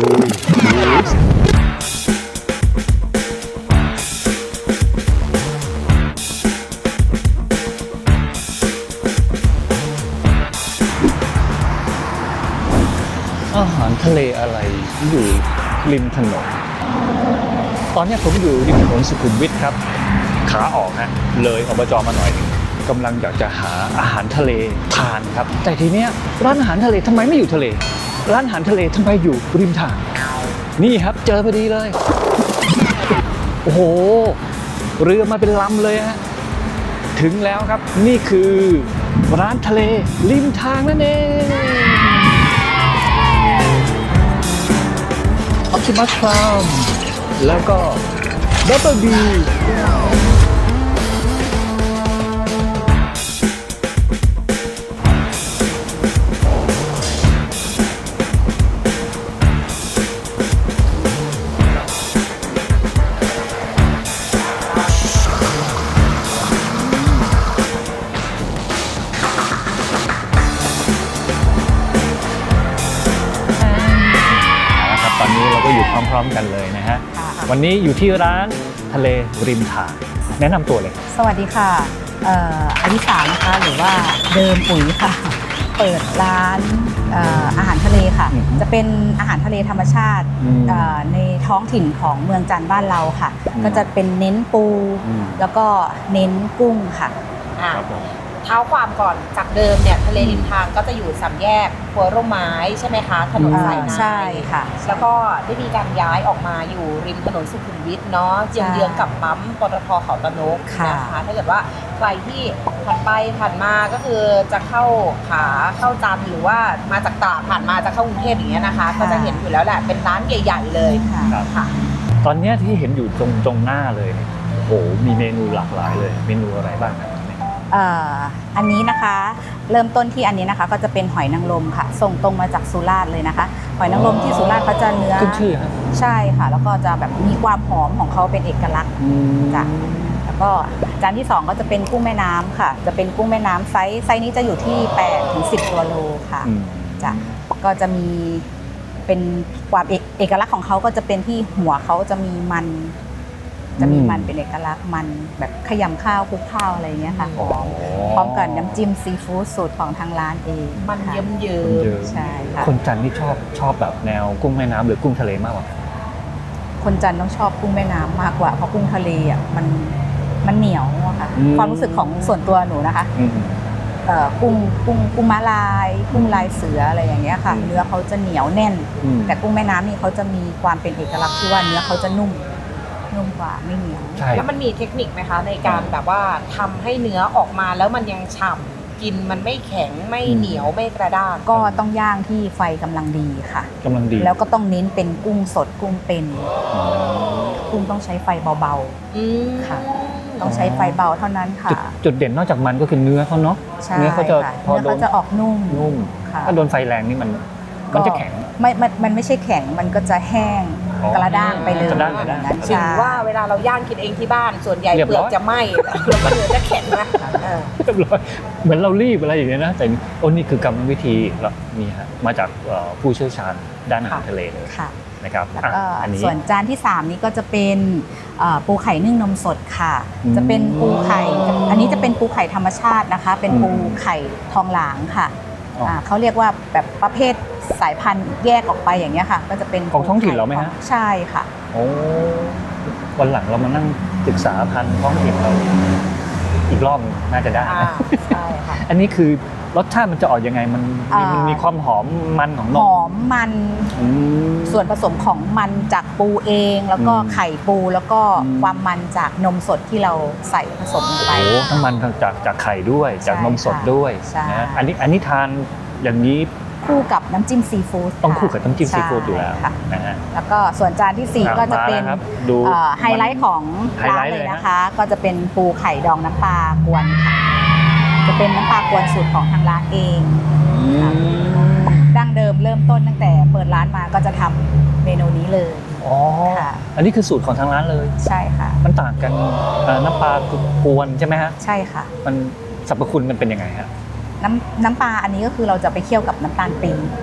ลุยอาหารทะเลอะไรอยู่ริมถนนตอนนี้ผมอยู่ริมถนนสุขุมวิทครับขาออกฮะเลยอบจมาหน่อยกำลังอยากจะหาอาหารทะเลทานครับแต่ทีเนี้ยร้านอาหารทะเลทำไมไม่อยู่ทะเลร้านอาหารทะเลทำไมอยู่ริมทางนี่ครับเจอพอดีเลยโอ้โหเรือมาเป็นลำเลยฮะถึงแล้วครับนี่คือร้านทะเลริมทางนั่นเองออปติมัสฟาร์มแล้วก็ดับเบิลบีตอนนี้เราก็อยู่พร้อมๆกันเลยนะฮะวันนี้อยู่ที่ร้านทะเลริมทางแนะนำตัวเลยสวัสดีค่ะอลิสานะคะหรือว่าเดิมปุ๋ยค่ะเปิดร้านอาหารทะเลค่ะจะเป็นอาหารทะเลธรรมชาติในท้องถิ่นของเมืองจันทร์บ้านเราค่ะก็จะเป็นเน้นปูแล้วก็เน้นกุ้งค่ะเท้าความก่อนจากเดิมเนี่ยทะเลริมทางก็จะอยู่สามแยกครัวร่มไม้ใช่ไหมคะถนนสายในใช่ค่ะแล้วก็ได้มีการย้ายออกมาอยู่ริมถนนสุขุมวิทเนาะเยื้องๆกับปั๊มปตท.เขาตะนกนะคะถ้าเกิดว่าใครที่ผ่านไปผ่านมาก็คือจะเข้าขาเข้าจันทร์หรือว่ามาจากตราดผ่านมาจะเข้ากรุงเทพอย่างเงี้ยนะคะก็จะเห็นอยู่แล้วแหละเป็นร้านใหญ่ๆเลยค่ะตอนนี้ที่เห็นอยู่ตรงหน้าเลยโอ้โหมีเมนูหลากหลายเลยเมนูอะไรบ้างครับอันนี้นะคะเริ่มต้นที่อันนี้นะคะก็จะเป็นหอยนางรมค่ะส่งตรงมาจากสุราษฎร์เลยนะคะหอยนางรมที่สุราษฎร์เขาจะเนื้อขึ้นชื่อครับใช่ค่ะแล้วก็จะแบบมีความหอมของเขาเป็นเอกลักษณ์จ้ะแล้วก็จานที่2ก็จะเป็นกุ้งแม่น้ำค่ะจะเป็นกุ้งแม่น้ำไซส์นี้จะอยู่ที่8 ถึง 10 ตัวโลค่ะจ้ะก็จะมีเป็นความเอกลักษณ์ของเขาก็จะเป็นที่หัวเขาจะมีมันเป็นเอกลักษณ์มันแบบขยำข้าวคลุกข้าวอะไรอย่างเงี้ยค่ะพร้อมกับน้ำจิ้มซีฟู้ดสูตรของทางร้านเองมันเยิ้มใช่ค่ะคนจันทร์นี่ชอบแบบแนวกุ้งแม่น้ำหรือกุ้งทะเลมากกว่าคนจันทร์ต้องชอบกุ้งแม่น้ำมากกว่าเพราะกุ้งทะเลอ่ะมันเหนียวอะค่ะความรู้สึกของส่วนตัวหนูนะคะกุ้งม้าลายกุ้งลายเสืออะไรอย่างเงี้ยค่ะเนื้อเขาจะเหนียวแน่นแต่กุ้งแม่น้ำนี่เขาจะมีความเป็นเอกลักษณ์ที่ว่าเนื้อเขาจะนุ่มกว่าไม่เหนียวแล้วมันมีเทคนิคไหมคะในการแบบว่าทำให้เนื้อออกมาแล้วมันยังฉ่ำกินมันไม่แข็งไม่เหนียวไม่กระด้างก็ต้องย่างที่ไฟกำลังดีค่ะกำลังดีแล้วก็ต้องเน้นเป็นกุ้งสดกุ้งเป็นกุ้งต้องใช้ไฟเบาๆค่ะต้องใช้ไฟเบาเท่านั้นค่ะจุดเด่นนอกจากมันก็คือเนื้อเขาเนาะเนื้อเขาจะออกนุ่มถ้าโดนไฟแรงนี่มันจะแข็งมันไม่ใช่แข็งมันก็จะแห้งกระด้างไปเลยถึงว่าเวลาเราย่างกินเองที่บ้านส่วนใหญ่เปลือกจะไหม้แล้วก็เนื้อจะแข็งนะเรียบร้อยเหมือนเรารีบอะไรอย่างเงี้ยนะแต่นี่คือกรรมวิธีแล้วนี่ฮะมาจากผู้เชี่ยวชาญด้านอาหารทะเลเลยนะครับส่วนจานที่3นี้ก็จะเป็นปูไข่นึ่งนมสดค่ะจะเป็นปูไข่อันนี้จะเป็นปูไข่ธรรมชาตินะคะเป็นปูไข่ทองหลางค่ะเขาเรียกว่าแบบประเภทสายพันธุ์แยกออกไปอย่างเงี้ยค่ะก็จะเป็นของท้องถิ่นเราไหมฮะใช่ค่ะโอ้วันหลังเรามานั่งศึกษาพันธุ์ท้องถิ่นเราอีกรอบน่าจะได้ใช่ค่ะอันนี้คือรสชาติมันจะออกยังไงมันมีความหอมมันของนมหอมมันส่วนผสมของมันจากปูเองแล้วก็ไข่ปูแล้วก็ความมันจากนมสดที่เราใส่ผสมลงไปโอ้ทั้งมันจากไข่ด้วยจากนมสดด้วยนะอันนี้ทานอย่างนี้คู่กับน้ำจิ้มซีฟู้ดต้องคู่กับน้ำจิ้มซีฟู้ดอยู่แล้วนะฮะแล้วก็ส่วนจานที่4ก็จะเป็นไฮไลท์ของร้านเลยนะคะก็จะเป็นปูไข่ดองน้ำปลากวนค่ะจะเป็นน้ำปลากวนสูตรของทางร้านเองดั้งเดิมเริ่มต้นตั้งแต่เปิดร้านมาก็จะทำเมนูนี้เลยอ๋ออันนี้คือสูตรของทางร้านเลยใช่ค่ะมันต่างกันน้ำปลากวนใช่ไหมฮะใช่ค่ะมันสรรพคุณมันเป็นยังไงฮะน้ำปลาอันนี้ก็คือเราจะไปเคี่ยวกับน้ำตาลปี๊บ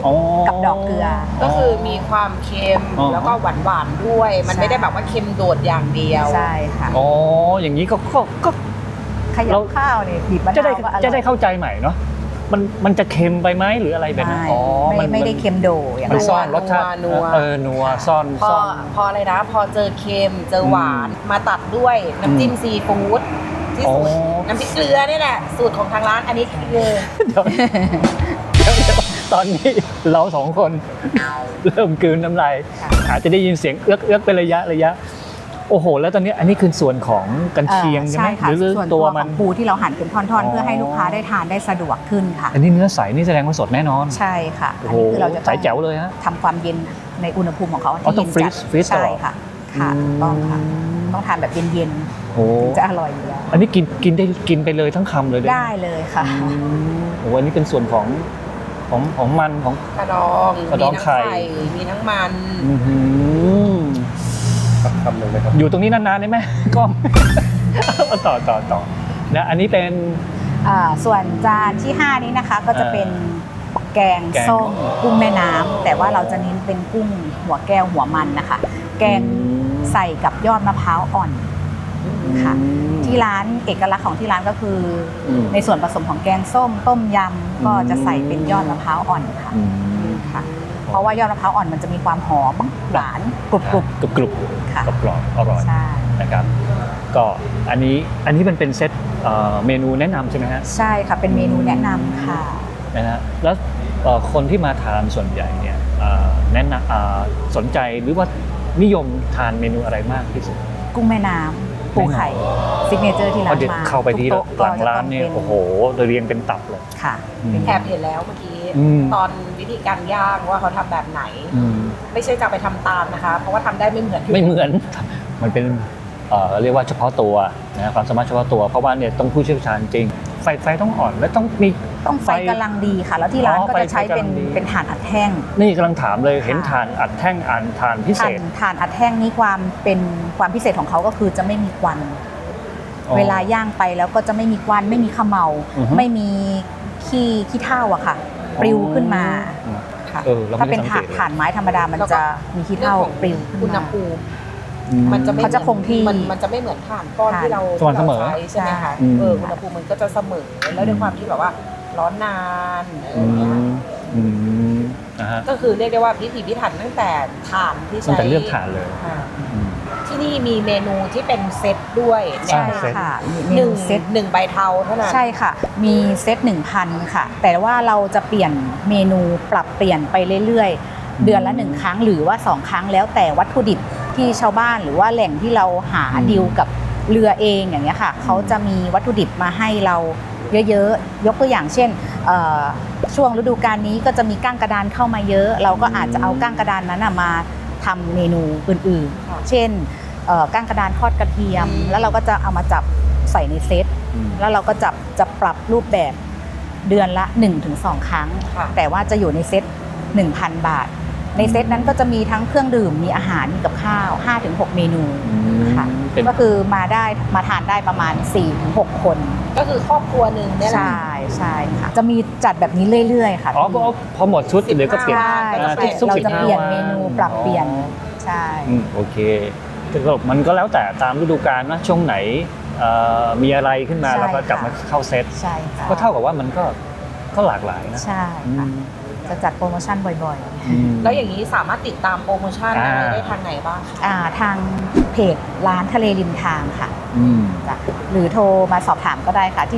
อ๋อกับดอกเกลือก็คือมีความเค็มอ๋อแล้วก็หวานๆด้วย มันใช่ไม่ได้แบบว่าเค็มโดดอย่างเดียวใช่ค่ะอ๋ออย่างนี้ก็ขยับข้าวเนี่ยบีบมะจะนาได้วก็อร่อยจะได้เข้าใจใหม่เนาะมันจะเค็มไปไหมหรืออะไรแบบนั้นไม่ได้เค็มโดอย่างมันนั้นซ่อนรสชาตินัวนัวซ่อนพอซ่อนพออะไรนะ พอเจอเค็มเจอหวานมาตัดด้วยน้ำจิ้มซีฟู้ดที่สูตรอ๋อน้ำพริกเกลือนี่แหละ สูตรของทางร้านอันนี้คือเดี๋ยวตอนนี้เราสองคนเริ่มกลืนน้ำลายค่ะอาจจะได้ยินเสียงเอื้อกเป็นระยะโอ้โหแล้วตอนนี้อันนี้คือส่วนของกันเชียงใช่ไหมค่ะหรือส่วนตัตัว วมัขนองปูที่เราหั่นเป็นท่อนอ๋อๆ เพื่อให้ลูกค้าได้ทานได้สะดวกขึ้นค่ะอันนี้เนื้อใสนี่แสดงว่าสดแน่นอนใช่ค่ะโอ้อันโหนี้คือเราจะใสแจ๋วเลยฮะทำความเย็นในอุณหภูมิของเขาอ๋อที่ต้องเย็นจัด freeze ตลใช่อดค่ะค่ะถูกต้องค่ะต้องทานแบบเย็นโอ้ๆจะอร่อยอยู่แล้วอันนี้กินไปเลยทั้งคำเลยได้ไหมได้เลยค่ะโอ้อันนี้เป็นส่วนของมันของกระดองกระดองมีทั้งไข่มีทั้งมันอื้อหือทำเลยไหมครับอยู่ตรงนี้นานๆได้ไหม ก็ ต่อนะอันนี้เป็นส่วนจานที่ 5 นี้นะคะก็จะเป็นแกงแกงส้มกุ้งแม่น้ำแต่ว่าเราจะเน้นเป็นกุ้งหัวแก้วหัวมันนะคะ แกงใส่กับยอดมะพร้าวอ่อนค่ะ ที่ร้านเอกลักษณ์ของที่ร้านก็คืออมในส่วนผสมของแกงส้มต้มยำก็จะใส่เป็นยอดมะพร้าวอ่อนค่ะอืมค่ะ เพราะว่ายอดมะพร้าวอ่อนมันจะมีความหอมหวานกรุบกรุบค่ะกรอบอร่อยๆใช่นะครับ ก็อันนี้มันเป็นเซตเมนูแนะนำใช่ไหมฮะใช่ค่ะเป็นเมนูแนะนำค่ะนะฮะแล้วคนที่มาทานส่วนใหญ่เนี่ยแนะนำสนใจหรือว่านิยมทานเมนูอะไรมากที่สุดกุ้งแม่น้ำปูไข่ซิกเนเจอร์ที่ร้าพอน เด็ดมาเข้าไปที่ทุกหลังโต๊ะร้านเนี่ยก็จะต้โอ้งโหเรียงเป็นตับเลยค่ะอืมแอบเห็นแล้วเมื่อกี้อืมตอนวิธีการย่างว่าเขาทำแบบไหนอืมไม่ใช่จะไปทำตามนะคะ เพราะว่าทำได้ไม่เหมือนไม่เหมือน มันเป็นเรียกว่าเฉพาะตัวนะความสามารถเฉพาะตัว เพราะว่าเนี่ยต้องผู้เชี่ยวชาญจริง ไฟต้องอ่อนและต้องมีต้องไฟกำลังดีค่ะ แล้วที่ร้านก็จะใช้เป็นไฟกำลังดีเป็นถ่านอัดแท่งนี่กำลังถามเลยค่ะเห็นถ่านอัดแท่งถ่านพิเศถ่านษถ่านอัดแท่งนี้ความพิเศษของเขาก็คือจะไม่มีควันอ๋อเวลาย่างไปแล้วก็จะไม่มีควันไม่มีเขมเมาอือฮึไม่มีขี้เถ้าอะค่ะปลิวขึ้นมาค่ะเราถ้าไม่เป็นได้สังเกตเลยถ่านไม้ธรรมดามันจะมีขี้เรื่องเถ้าของปลิวขึ้นอุณหมาภูมิอืมมันจะไม่เขาจะคงที่มันจะไม่เหมือนถ่านก้อนที่เราสม่ำเสมอที่ราใช้ใช่ไหมคะอืมอุณหภูมิมันก็จะเสมอแล้วด้วยความที่แบบว่าร้อนนานอะไรอย่างเงี้ยอืมนะฮะก็คือเรียกได้ว่าพิถีพิถันตั้งแต่ถ่านที่ตั้งใช้แต่เลือกถ่านเลยค่ะอืมที่นี่มีเมนูที่เป็นเซตด้วยใช่ใช่ค่ะมีเมหนึ่นูงเซตหนึ่งใบเทาเท่านั้นใช่ค่ะ มีเซต 1,000 ค่ะ แต่ว่าเราจะเปลี่ยนเมนูปรับเปลี่ยนไปเรื่อยๆ เดือนละ 1 ครั้งหรือว่า 2 ครั้งแล้วแต่วัตถุดิบที่ชาวบ้านหรือว่าแหล่งที่เราหาดีลกับเรือเองอย่างเงี้ยค่ะ เขาจะมีวัตถุดิบมาให้เราเยอะๆ ยกตัวอย่างเช่นช่วงฤดูกาลนี้ก็จะมีก้างกระดานเข้ามาเยอะ เราก็อาจจะเอาก้างกระดานนั้นมาทำเมนูอื่นค่ะๆ เช่นก้างกระดานทอดกระเทียม แล้วเราก็จะเอามาจับใส่ในเซต แล้วเราก็จะปรับรูปแบบเดือนละ 1-2 ครั้งค่ะแต่ว่าจะอยู่ในเซต 1,000 บาท ในเซตนั้นก็จะมีทั้งเครื่องดื่ม มีอาหาร มีกับข้าว 5-6 เมนูค่ะเป็นก็คือมาทานได้ประมาณ 4-6 คนก็คือครอบครัวหนึ่งเนี่ยแหละใช่ใช่ค่ะ จะมีจัดแบบนี้เรื่อยๆ ค่ะอ๋อพอหมดชุดเดี๋ยวก็เปลี่ยนใช่ทุกเรา 15 จะเปลี่ยนวันเมนูปรับเปลี่ยน ใช่โอเคแต่ก็มันก็แล้วแต่ตามฤดูกาลนะช่วงไหนมีอะไรขึ้นมาใช่เราก็กลับมาค่ะเข้าเซตใช่ค่ะก็เท่ากับว่ามันก็หลากหลายนะใช่ค่ะ จะจัดโปรโมชั่นบ่อยๆอืมแล้วอย่างนี้สามารถติดตามโปรโมชั่นอะไรได้ทางไหนบ้างคะทางเพจร้านทะเลริมทางค่ะอืมจ้ะหรือโทรมาสอบถามก็ได้ค่ะที่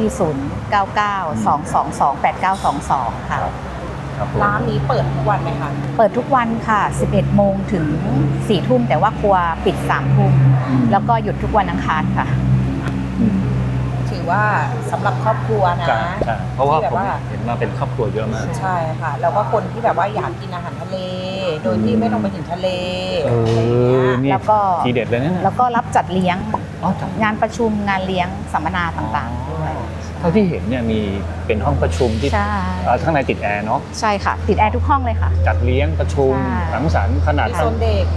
0992228922 ค่ะครับผมร้านนี้เปิดทุกวันไหมคะเปิดทุกวันค่ะ 11 โมงถึง 4 ทุ่ม แต่ว่าครัวปิด 3 ทุ่ม แล้วก็หยุดทุกวันอังคารค่ะอืมถือว่าสำหรับครอบครัวนะใช่ใช่เพราะว่าที่แบบผมว่าเห็นมาเป็นครอบครัวเยอะมากใช่ค่ะ แล้วก็คนที่แบบว่าอยากกินอาหารทะเล โดยที่ไม่ต้องไปถึงทะเลอะไรอย่างเงี้ยนี่แล้วก็ทีเด็ดเลยนะเนี่ยแล้วก็รับจัดเลี้ยงอ๋อจัดงานประชุมงานเลี้ยงสัมมนาต่างๆด้วยเท่าที่เห็นเนี่ยมีเป็นห้องประชุมที่ใช่ข้างในติดแอร์เนาะใช่ค่ะ ติดแอร์ทุกห้องเลยค่ะจัดเลี้ยงประชุมใช่สังสรรค์ขนาดมีโซนเด็กใ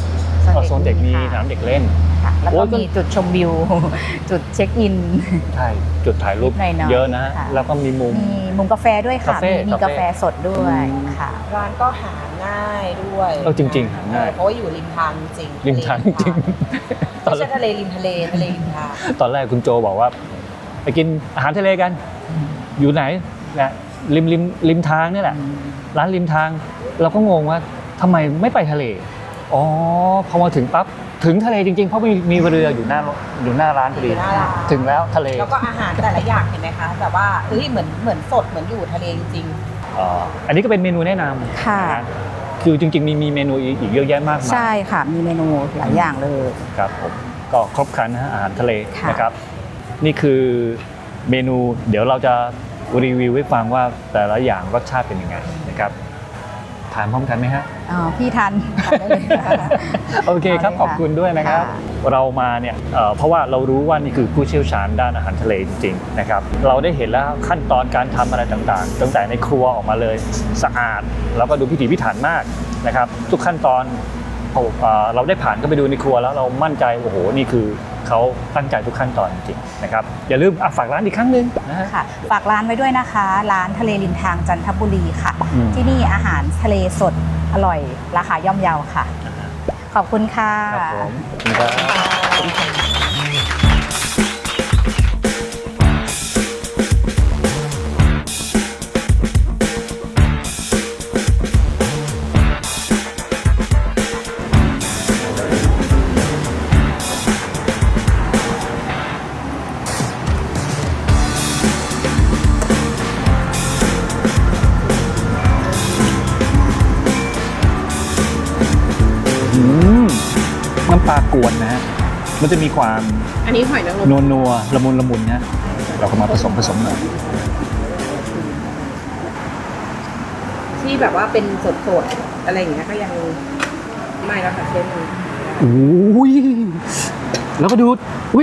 อ๋อโซนเด็กมีสนามเด็กเล่นค่ะแล้วโอ้ก็ยมีจุดชมวิว จุดเช็คอินใช่จุดถ่ายรูปหน่อยๆเยอะนะค่ะแล้วก็มีมุมมีมุมกาแฟด้วยค่ะคาเฟ่มีกาแฟสดด้วยค่ะร้านก็หาง่ายด้วยจริงๆหาง่ายเพราะว่าอยู่ริมทางจริงริมทางจริงไม่ใช่ทะเลริมทะเลริมทางตอนแรกคุณโจบอกว่าไปกินอาหารทะเลกัน อยู่ไหนนะริมทางนี่แหละ ร้านริมทาง เราก็งงว่าทำไมไม่ไปทะเลอ๋อพอมาถึงปั๊บถึงทะเลจริงๆเพราะมีเรืออยู่หน้าร้านพอดีอยู่หน้าร้านถึงแล้วทะเลแล้วก็อาหารแต่ละอย่างเห็นไหมคะแบบว่าเฮ้ยเหมือนสดเหมือนอยู่ทะเลจริงอันนี้ก็เป็นเมนูแนะนำค่ะนคือจริงๆมีเมนูอีกเยอะแยะมากมายใช่ค่ะ มีเมนูหลายอย่างเลยครับผมก็ครบครันนะฮะอาหารทะเลค่ะนะครับ นี่คือเมนูเดี๋ยวเราจะรีวิวให้ฟังว่าแต่ละอย่างรสชาติเป็นยังไงนะครับทานพร้อมกันไหมฮะพี่ทันทานได้เลยค่ะโอเคครับเอาเลยค่ะขอบคุณด้วยนะครับค่ะเรามาเนี่ยเพราะว่าเรารู้ว่านี่คือผู้เชี่ยวชาญด้านอาหารทะเลจริงๆนะครับเราได้เห็นแล้วขั้นตอนการทำอะไรต่างๆตั้งแต่ในครัวออกมาเลยสะอาดแล้วก็ดูพิถีพิถันมากนะครับทุกขั้นตอนเราได้ผ่านก็ไปดูในครัวแล้วเรามั่นใจโอ้โหนี่คือเขาตั้งใจทุกขั้นตอนจริงๆนะครับอย่าลืมฝากร้านอีกครั้งหนึ่งนะฮะค่ะฝากร้านไว้ด้วยนะคะ ร้านทะเลริมทางจันทบุรีค่ะอืมที่นี่อาหารทะเลสดอร่อยราคาย่อมเยาค่ะ ขอบคุณค่ะครับผมขอบคุณครับ น้ำปลากวนนะฮะ มันจะมีความอันนี้หอยนางรมนัวละมุนนะ เราก็มาผสมหน่อยที่แบบว่าเป็นสดๆอะไรอย่างเงี้ยก็ยังไม่แล้วค่ะเชฟมันโอ้ย แล้วก็ดู อุ้ย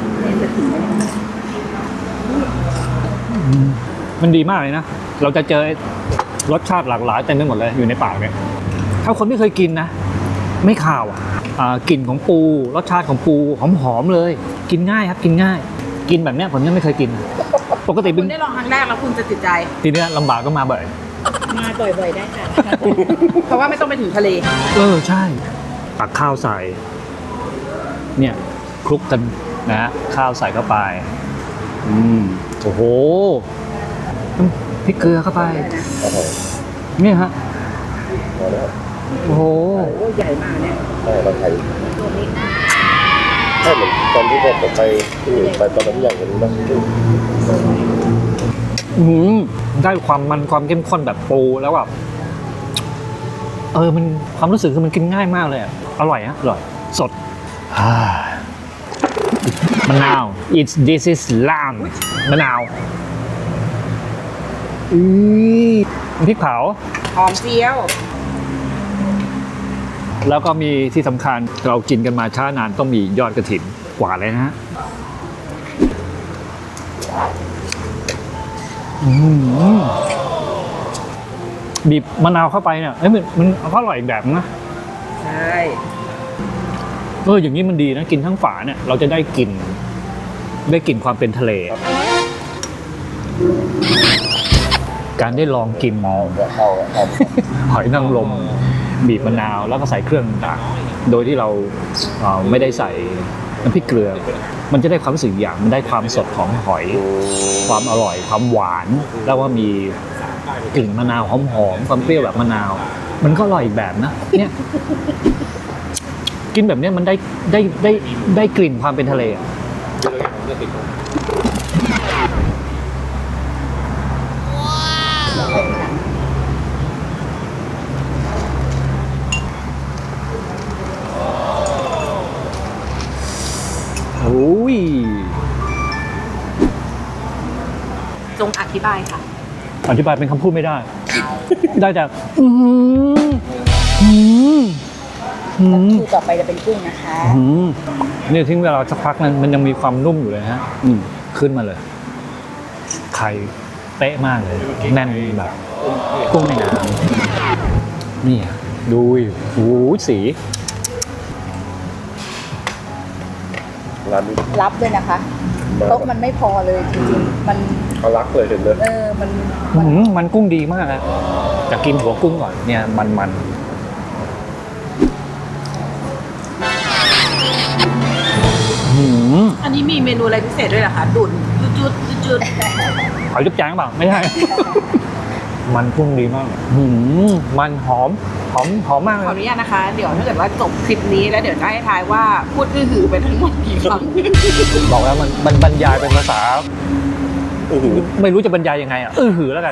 มันดีมากเลยนะ เราจะเจอรสชาติหลากหลายเต็มไปหมดเลยอยู่ในปากเนี่ย ถ้าคนไม่เคยกินนะ ไม่คาวกลิ่นของปู รสชาติของปูหอมๆเลย กินง่ายครับ กินง่าย กินแบบเนี้ยผมยังไม่เคยกิน ปกติคุเป็นณได้ลองครั้งแรกแล้วคุณจะติดใจทีเนี้ยลำบากก็มาบ่อยมาบ่อยๆได้ค่ะ เพราะว่าไม่ต้องไปถึงทะเลใช่ตักข้าวใส่ เนี่ยคลุกกันนะ ข้าวใส่เข้าไป โอ้โหพริกเกลือเข้าไปครับผมเนี่ยฮะพอแล้วโอ้โหโอ้ใหญ่มากเนี่ยใช่เราไทยใช่เหมือนตอนที่ผมไปที่อื่นไปตอนนั้นอย่างนี้นะได้ความมันความเข้มข้นแบบปูแล้วแบบมันความรู้สึกคือมันกินง่ายมากเลยอะอร่อยฮะอร่อย สดมะนาว this is lamb มะนาวพริกเผาหอมเจียวแล้วก็มีที่สำคัญเรากินกันมาช้านานต้องมียอดกระถินกว่าเลยนะฮะบีบมะนาวเข้าไปเนี่ยมันก็อร่อยอีกแบบนะใช่อย่างนี้มันดีนะกินทั้งฝาเนี่ยเราจะได้กลิ่นความเป็นทะเล การได้ลองกินเอาหอยนางรมบีบมะนาวแล้วก็ใส่เครื่องต่างๆโดยที่เราไม่ได้ใส่น้ำพริกเกลือ มันจะได้ความรู้สึกอย่างมันได้ความสดของหอย ความอร่อยความหวานแล้วว่ามีกลิ่นมะนาวหอมๆความเปรี้ยวแบบมะนาว มันก็อร่อยอีกแบบนะเนี่ยกินแบบเนี้ยมันได้กลิ่นความเป็นทะเลอะโอ้ยจงอธิบายค่ะอธิบายเป็นคำพูดไม่ได้ ได้แต่คือต่อไปจะเป็นกุ้งนะคะเนี่ยทิ้งเวลาสักพักนั้นมันยังมีความนุ่มอยู่เลยฮะขึ้นมาเลยไข่เป๊ะมากเลยแน่นแบบกุ้งแม่น้ำนี่ดูโอ้ยสีร้านนี้รับด้วยนะคะโต๊ะมันไม่พอเลยจริงๆมันเขารักเลยเห็นเลยมันกุ้งดีมากอะจะกินหัวกุ้งก่อนเนี่ยมันอันนี้มีเมนูอะไรพิเศษด้วยเหรอคะดุ่นจุดหอยจุ๊บแจงเปล่าไม่ใช่ มันกุ้งดีมากมันหอมมากขเลออย นุญาตนะคะ เดี๋ยวถ้าเกิดว่าจบคลิปนี้แล้วเดี๋ยวจะให้ทายว่าพูดหือไปทั้งหมดกี่ครั้งบอกแล้วมันบรรยายเป็นภาษาอื้อหือไม่รู้จะบรรยายยังไงอ่ะหือแล้วกัน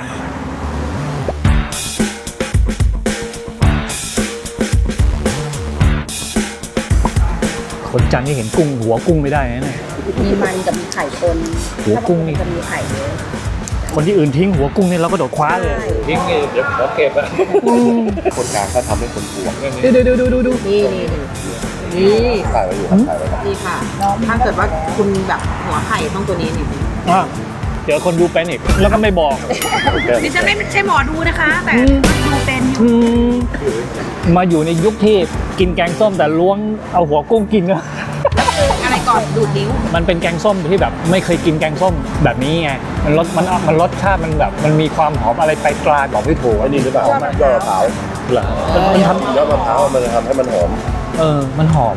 คนจันทร์นี่เห็นกุ้งหัวกุ้งไม่ได้นะเนี่ยมีมันกับมีไข่คนหัวกุ้งนี่จะมีไข่เยอะคนที่อื่นทิ้งหัวกุ้งนี่เราก็โดดคว้าเลยใช่ทิ้งเดี๋ยวขอเก็บอ่ะคนกลางเขาทำให้คนห่วงดูนี่ถ่ายไว้อยู่ครับถ่ายไว้ครับนี่ค่ะ ถ้าเกิดว่าคุณแบบหัวไข่ต้องตัวนี้นี่อ่ะเดี๋ยวคนดูเป็นอีกแล้วก็ไม่บอกดิฉันไม่ใช่หมอดูนะคะ แต่ดูเป็นอยู่มาอยู่ในยุคที่กินแกงส้มแต่ล้วงเอาหัวกุ้งกินก็อะไรก่อนดูดนิ้วมันเป็นแกงส้มที่แบบไม่เคยกินแกงส้มแบบนี้ไงมันรสชาติมันแบบมันมีความหอมอะไรไปกลางบอกไม่ถูกไอ้นี่หรือเปล่ายอดมะพร้าวเหรอมันทยอดมะพร้าวมันจะทำให้มันหอมำมันหอม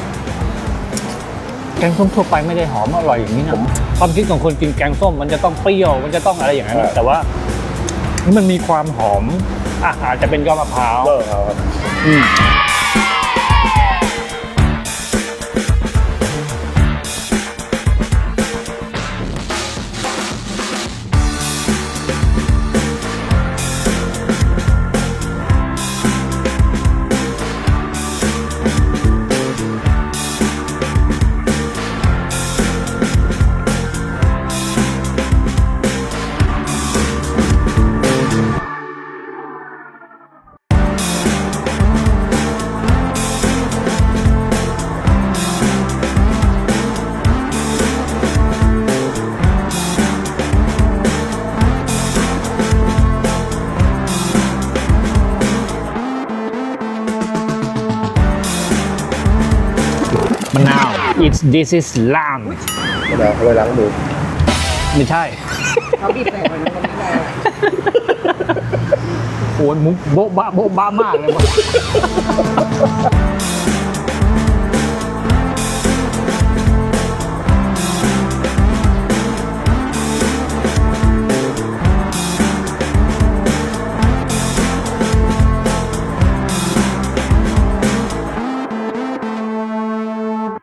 แกงส้มทั่วไปไม่ได้หอมอร่อยอย่างนี้นะความคิดของคนกินแกงส้มมันจะต้องเปรี้ยวมันจะต้องอะไรอย่างนั้นใช่แต่ว่ามันมีความหอมอาจจะเป็นยอดมะพร้าวยอดมะพร้าวครับอืม มะนาว this is lamb มะนาวเขาไว้ล้างมือไม่ใช่เขาบีบแต่ก่อนนะคนนี้เลยโอ้ยมุกโบ๊ะบ้ามากเลยวะ